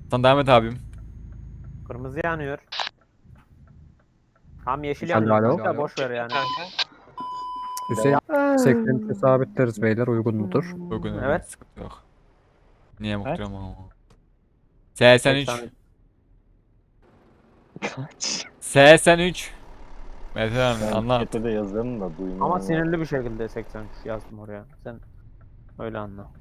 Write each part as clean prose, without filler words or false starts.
Sen devam et abim. Kırmızı yanıyor. Tam yeşil Alo, yanıyor. alo. Da boş ver yani. Kanka. Hüseyin 83'e sabitleriz beyler, uygun mudur? Bugün Evet. sıkıntı yok. Niye Kaç? muhtemelen ama. 83. 83. Kaç? 83. Mete abi Ben anlat. chat'e de yazarım da duymuyorum. Ama sinirli bir şekilde 83 yazdım oraya. Sen öyle anla.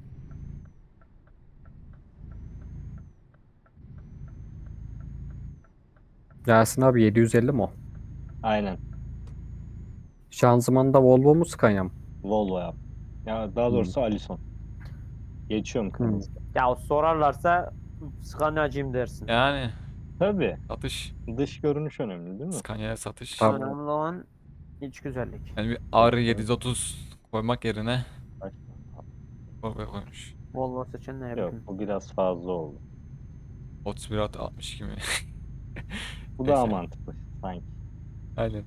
Yasin abi 750 mi o? Aynen. Şanzımanda Volvo mu Scania mı? Volvo yap. Ya daha doğrusu Alison. Geçiyorum kırmızı. Ya sorarlarsa Scania'cıyım dersin. Yani Tabii. satış. Dış görünüş önemli değil mi? Scania'ya satış. Tabii. Önemli olan iç güzellik. Yani bir R730 koymak yerine Kaç? Volvo koymuş. Volvo seçen ne Yok bileyim. bu biraz fazla oldu. 31 62 mi? Bu daha Neyse. mantıklı sanki. Aynen.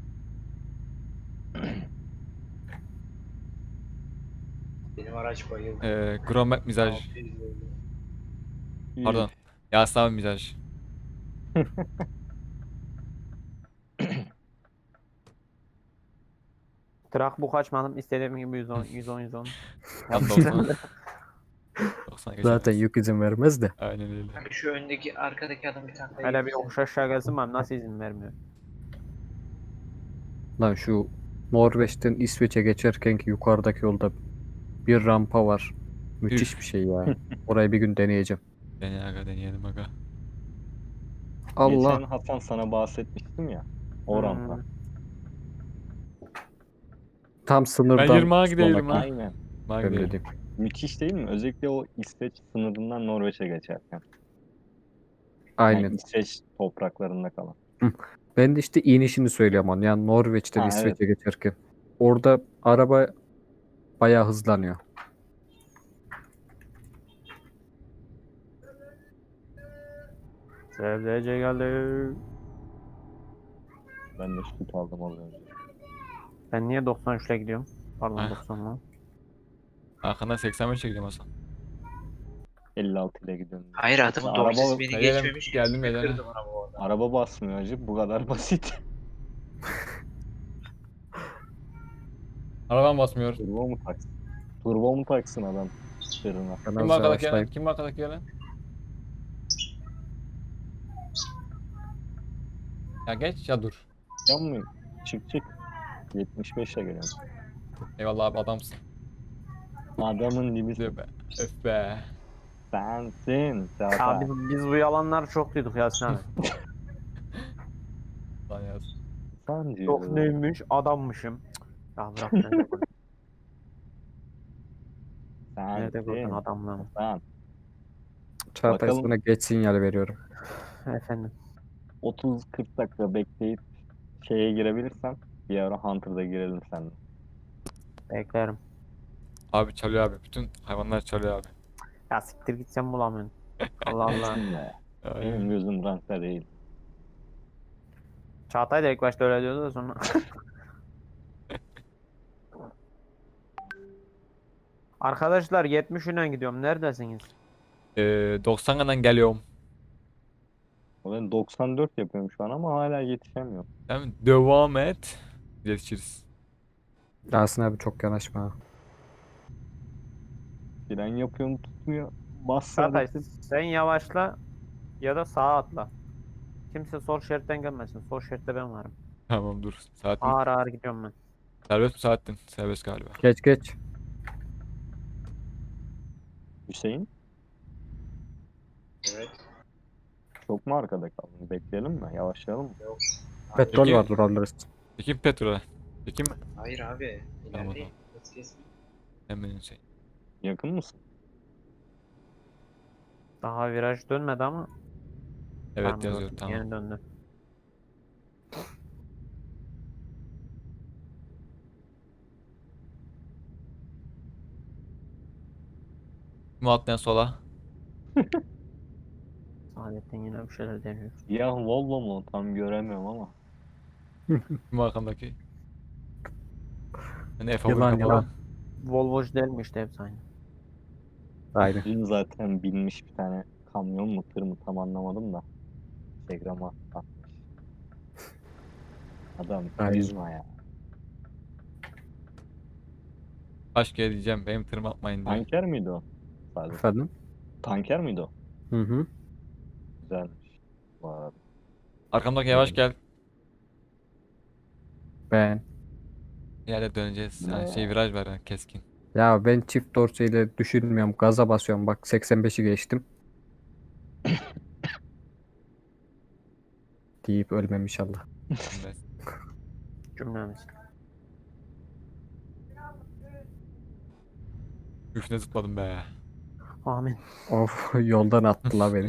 Benim araç bayıldı. Gromet mizaj. 600 oldu. Pardon. Yasin abi mizaj. Trak bu kaçmadım. İstediğim gibi 110 110 110. Tam 90. 90 Zaten geçemez. yük izin vermez de. Aynen öyle. Kanka şu öndeki arkadaki adam bir tane daha Hele bir yedi. yokuş aşağı gelsin ben nasıl izin vermiyor. Lan şu Norveç'ten İsveç'e geçerkenki yukarıdaki yolda bir rampa var. Müthiş bir şey ya. Orayı bir gün deneyeceğim. Deneyelim aga. Allah. Geçen Hasan sana bahsetmiştim ya. O rampa. Tam Ben sınırdan 20'a gideyim sonraki ha. Aynen. Bak bölge diyeyim. Müthiş değil mi? Özellikle o İsveç sınırından Norveç'e geçerken. Aynen. Yani İsveç topraklarında kalan. Ben de işte inişini söylüyorum onu. Yani Norveç'ten Ha, İsveç'e geçerken. Orada araba bayağı hızlanıyor. Sevdice geldi. Ben de süt aldım az önce. Ben niye 93 ile gidiyorum? Pardon Heh. 90 'la. Arkandan 85 çekeceğim Hasan. 56 ile gidiyorum. Hayır adamın Araba- dorsesi beni Gelelim, geçmemiş. geldim, Bir gelelim. kırdım araba orada. Araba basmıyor acı. Bu kadar basit. Arabam basmıyor. Turbo mu taksın? Turbo mu taksın adam sırrına? Ben Kim az arkadaki gelen? yavaşlayayım. Kim arkadaki gelen? Ya geç ya dur. Yan mı? Çık çık. 75 ile geliyorum. Eyvallah abi adamsın. Adamın dibi Diyor be. Öf be. sensin. Ya Zaten. biz bu yalanları çok duyduk Yasin abi. Lan yaz. Sen Yok diyor. neymiş adammışım. Ya bırak nerede gördün? Nerede gördün Sensin. adamlığımı? Sen. Çağatay Bakalım. sana geç sinyal veriyorum. Efendim. 30-40 dakika bekleyip şeye girebilirsen bir ara Hunter'da girelim seninle. Beklerim. Abi çalıyor abi. Bütün hayvanlar çalıyor abi. Ya siktir git sen bulamıyorsun. Allah Allah. Şimdi Aynen. benim gözüm rankta değil. Çağatay da ilk başta öyle diyordu da sonra. Arkadaşlar 70 ile gidiyorum. Neredesiniz? 90'dan geliyorum. O ben 94 yapıyorum şu an ama hala yetişemiyorum. Tamam devam et. Yetişiriz. Yasin abi çok yanaşma ha. Fren yapıyorum tutmuyor. Bas Çağatay sadece. sen yavaşla ya da sağa atla. Kimse sol şeritten gelmesin. Sol şeritte ben varım. Tamam dur. Saatin. Ağır ağır gidiyorum ben. Serbest mi saatin? Serbest galiba. Geç geç. Hüseyin Evet. çok mu arkada kaldın? Bekleyelim mi? Yavaşlayalım mı? Petrol Peki. var, durarlarız. Çekeyim petrole. Çekeyim mi? Hayır abi. Tamam, İlerleyin. Hız kesme. Hemen şey. Yakın mısın? Daha viraj dönmedi ama. Evet Tamam, yazıyor döndü. tamam. Yeni döndü. Kim atlayan sola? Saadettin yine bir şeyler deniyor. Ya Volvo mu? Tam göremiyorum ama. Kim arkamdaki? Hani F11 Yılan, kapalı. yılan. Volvo'cu değil mi işte hepsi aynı. Aynen. Dün zaten binmiş bir tane kamyon mu tır mı tam anlamadım da. Instagram'a atmış. Adam Aynen. karizma ya. Kaç kere diyeceğim benim tırım atmayın diye. Tanker miydi o? Sadece. Efendim? Tanker miydi o? Hı hı. Güzelmiş. Bu arada. Arkamdaki yavaş gel. Ben. Bir yerde döneceğiz. Yani Ne? viraj var yani keskin. Ya ben çift dorseyle düşünmüyorum. Gaza basıyorum. Bak 85'i geçtim. Deyip ölmem inşallah. Evet. Cümlemiz. Üstüne zıpladım be. Amin. Of yoldan attılar beni.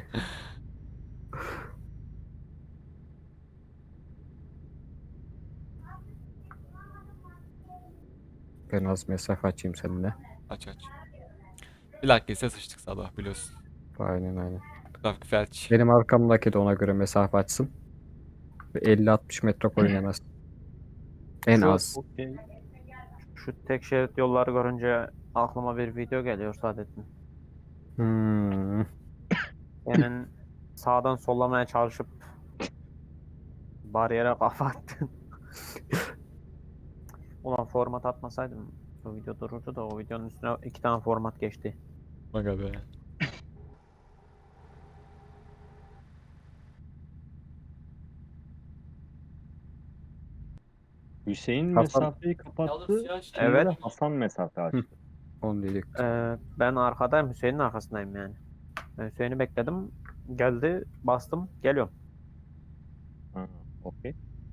Ben az mesafe açayım seninle. Aç aç. Bir dakika ise sıçtık sabah biliyorsun. Aynen. Trafik felç. Benim arkamdaki de ona göre mesafe açsın. Ve 50-60 metre koyun en az. En Şu- az. Okey. Şu tek şerit yolları görünce aklıma bir video geliyor Saadettin. Hmm. Senin sağdan sollamaya çalışıp bariyere kafa attın. Ulan format atmasaydım o video dururdu da o videonun üstüne 2 tane format geçti. Aga be. Hüseyin Hasan- mesafeyi kapattı. Evet. Evet. Hasan mesafe açtı. Onu dedik. Ben arkadayım, Hüseyin'in arkasındayım yani. Ben Hüseyin'i bekledim. Geldi, bastım, geliyorum. Ha, okey.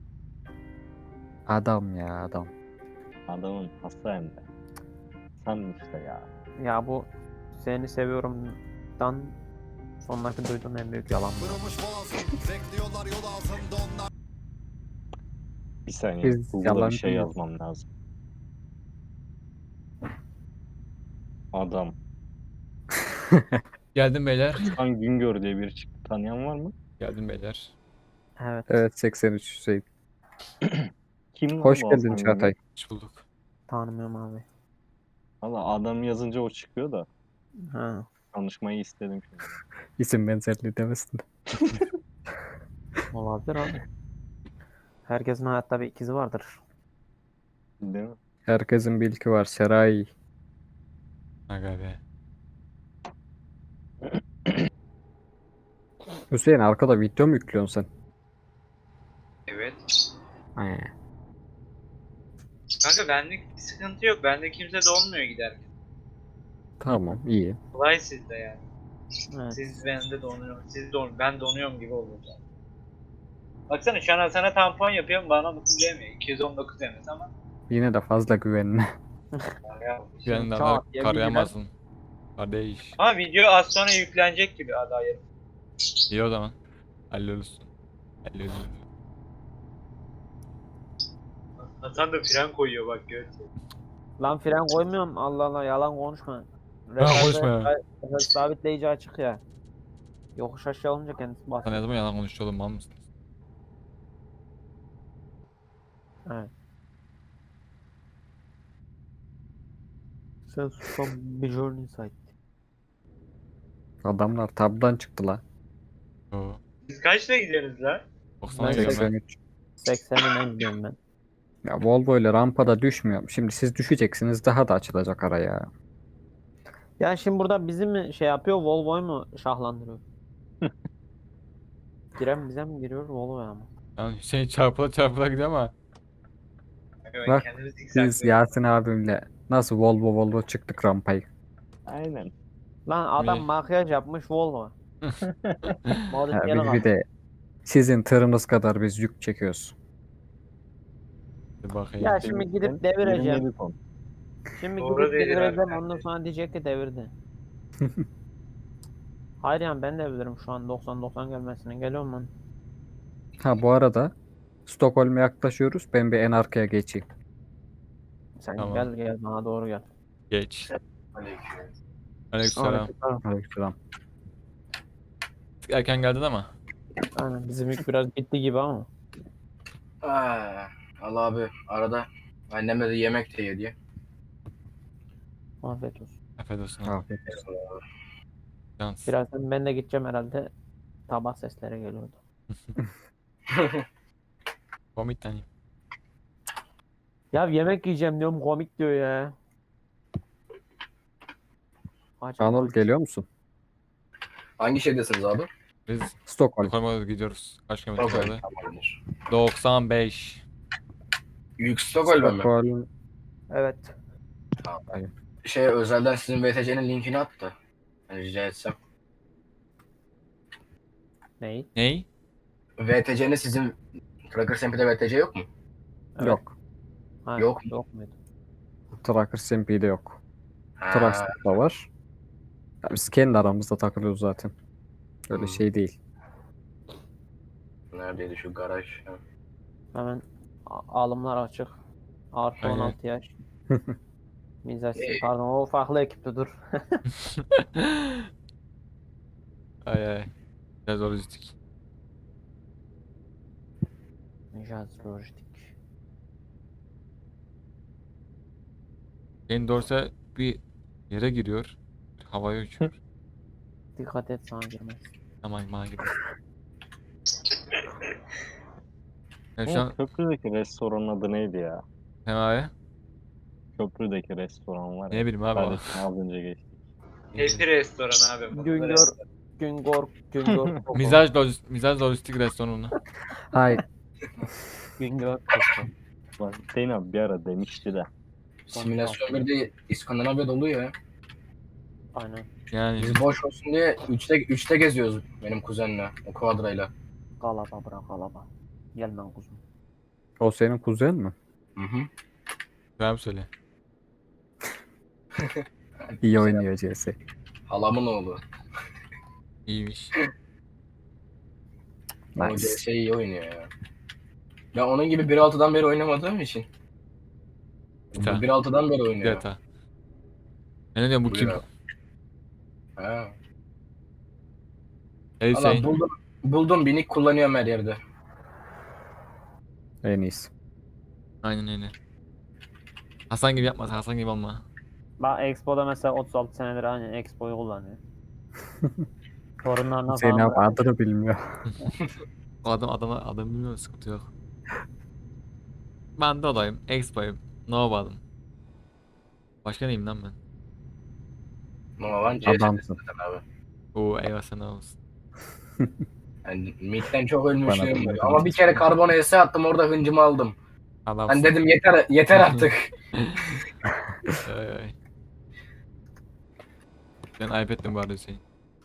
Adam ya adam. Adamın hasta hem de. Hasan işte ya. Ya bu seni seviyorumdan sonraki duyduğum en büyük yalan bu. Bir saniye. Biz Google'a bir yalancı şey mıyız? yazmam lazım. Adam. Geldim beyler. Hasan Güngör diye biri çıktı. Tanıyan var mı? Geldim beyler. Evet, Evet 83 Hüseyin. Kim lan Hoş bu geldin Hasan Çağatay. Güngör? Hoş bulduk. tanımıyorum abi. Valla adam yazınca o çıkıyor da. Ha. Tanışmayı istedim şimdi. İsim benzerliği demesin de. Olabilir abi. Herkesin hayatta bir ikizi vardır. Değil mi? Herkesin bir ilki var. Seray. Aga be. Hüseyin arkada video mu yüklüyorsun sen? Evet. He. Kanka benlik bir sıkıntı yok. Bende kimse donmuyor giderken. Tamam iyi. Kolay sizde yani. Evet. Siz bende donuyor. Ben donuyorum gibi olacak. Baksana şu an sana tampon yapıyorum bana mutlu demiyor. 219 demez ama. Yine de fazla güvenme. Ya. Güvenli Çağat adamı diye bir karayamazsın. Kardeş. Ama video az sonra yüklenecek gibi adayı. İyi o zaman. Hallolursun. Hallolursun. Hasan da fren koyuyor bak gör. Lan fren koymuyorum. Allah Allah yalan konuşma. konuşma ya. Sabitleyici açık ya. Yokuş aşağı olunca kendisi Sen ne basıyor. zaman yalan konuşuyor oğlum mal mısın? Evet. Sen susam bir journey site. Adamlar tabdan çıktı la. Yo. Siz kaçta gidiyorsunuz lan? 90'a Ben gidiyorum ben. 83. 80'in en gidiyorum ben. Ya Volvo ile rampada düşmüyor. Şimdi siz düşeceksiniz daha da açılacak araya. Ya şimdi burada bizi mi şey yapıyor, Volvo'yu mu şahlandırıyor? Giren bize mi giriyor, Volvo'ya mı? Yani Hüseyin çarpıla çarpıla gidiyor ama. Evet, Bak, kendimi Biz zikzaklıyorum. Yasin abimle nasıl Volvo çıktık rampayı. Aynen. Lan adam Mi? makyaj yapmış Volvo. Ya Modifiyeli biz bir kalmış. de sizin tırınız kadar biz yük çekiyoruz. Bir bakayım. Ya şimdi gidip Sen devireceğim. 27 ton. Şimdi Doğru gidip dedin devireceğim, abi. ondan sonra diyecek ki devirdi. Hayır yani ben de bilirim şu an 90-90 gelmesine. Geliyorum ben. Ha bu arada Stockholm'e yaklaşıyoruz. Ben bir en arkaya geçeyim. Sen Tamam. gel bana doğru gel. Geç. Aleykümselam. Aleykümselam. Erken geldin ama. Aynen bizim yük biraz bitti gibi ama. Allah abi arada annemle de yemek de yedi. Afiyet olsun. Afiyet olsun. Afiyet olsun. Şans. Birazdan ben de gideceğim herhalde. Tabak sesleri geliyordu. Komik tane. Ya yemek yiyeceğim diyorum komik diyor ya. Acaba Anıl geliyor musun? Hangi şehirdesiniz abi? Biz Stockholm. Stockholm'a doğru gidiyoruz. Kaç kilometre Stockholm. kaldı? Tamamdır. 95. Büyük Stockholm'e mi? Stockholm. Evet. Şey özelden sizin VTC'nin linkini attı. Yani rica etsem. Neyi? Ney? VTC'nin sizin Tracker Sempi'de VTC yok mu? Evet. Yok. Ha, Yok. Yok muydu? Tracker SMP'de yok. Ha, Truckstop'ta var. Ya biz kendi aramızda takılıyoruz zaten. Öyle Hmm. şey değil. neredeydi şu garaj? Ha. Hemen alımlar açık. Artı Aynen. 16 yaş. Mizaj. Ee, Pardon o farklı ekipte dur. Ay ay. Biraz lojistik. Mizaj lojistik. Jane Dorsey bir yere giriyor. Bir havaya uçuyor. Dikkat et sana girmez. Aman bana gibi. Yani şu an Köprüdeki restoranın adı neydi ya? Sema'ya Köprüdeki restoran var ya. ne bileyim abi o. Kardeşim az önce geçtik. Happy restoran abi. bu. Güngör. Güngör. Mizaj lojistik restoranı. Hayır. Güngör. Bak Hüseyin abi bir ara demişti de. Simülasyon 1'de İskandinavya dolu ya. Aynen. Yani Biz boş olsun diye 3'te geziyoruz benim kuzenle, o kuadrayla. Kalaba bırak kalaba. Gel lan kuzum. O senin kuzen mi? Hı hı. ben söyle. İyi oynuyor CS. Halamın oğlu. İyiymiş. O Nice. CS iyi oynuyor ya. Ben onun gibi 1.6'dan beri oynamadığım için. Bu Bita. 1.6'dan beri oynuyor. Deta. Ben ne diyorum bu kim? Buyur abi. Ha. Hey Valla Hüseyin. buldum binik kullanıyorum her yerde. En iyisi. Aynen öyle. Hasan gibi yapma, Hasan gibi olma. Bak Expo'da mesela 36 senedir aynen Expo'yu kullanıyor. Torunlarına Hüseyin falan abi adını bilmiyor. O adam bilmiyor, sıkıntı yok. Ben de olayım, Expo'yum, Nova'dım. Başka neyim lan ben? Novan Adamsın. CS'desin abi. Oo eyvah sana olsun. Yani midden çok Bana ölmüşlüğüm da var. öyle Ama bir kere karbon ES attım orada hıncımı aldım. Adamsın. Ben dedim yeter artık. Ay, ay. Ben ayıp ettim bu arada Hüseyin.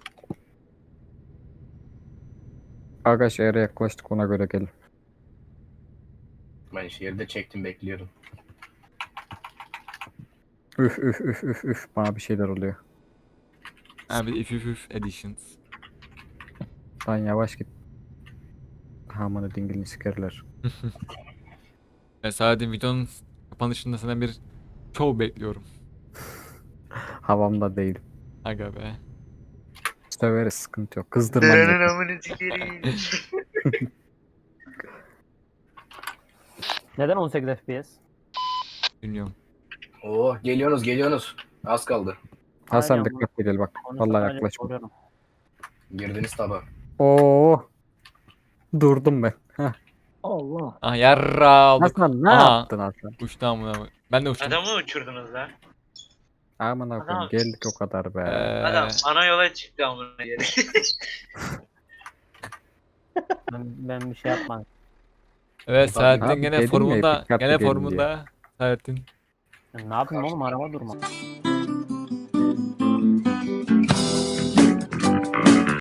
Arkadaş yere yaklaştık ona göre gelin. Ben şehirde çektim bekliyorum. Üf bana bir şeyler oluyor. Abi if editions. Lan yavaş git. Amanı dingilini sikerler. Ve sadece videonun kapanışında senden bir show bekliyorum. Havamda değil. Aga be. Söveriz sıkıntı yok. Kızdırmam yeter. amını sikerim. Neden 18 FPS? Bilmiyorum. Oo geliyorsunuz. Az kaldı. Hasan Aynen, dikkatli gel bak. Onu Vallahi sadece yaklaşma. soruyorum. Girdiniz tabi. Oo. Durdum ben. Heh. Allah. Ah yarra olduk. Hasan ne Aha. yaptın Hasan? Uçtu amına bak. Ben de uçtum. Adamı uçurdunuz lan. Aman koyayım Adam- geldik o kadar be. Adam ana yola çıktı amına geri. Ben bir şey yapmadım. Evet Selahattin Abi gene dedim ya, formunda. dikkatli Gene gelin formunda. Selahattin. Ne yapayım oğlum araba durma.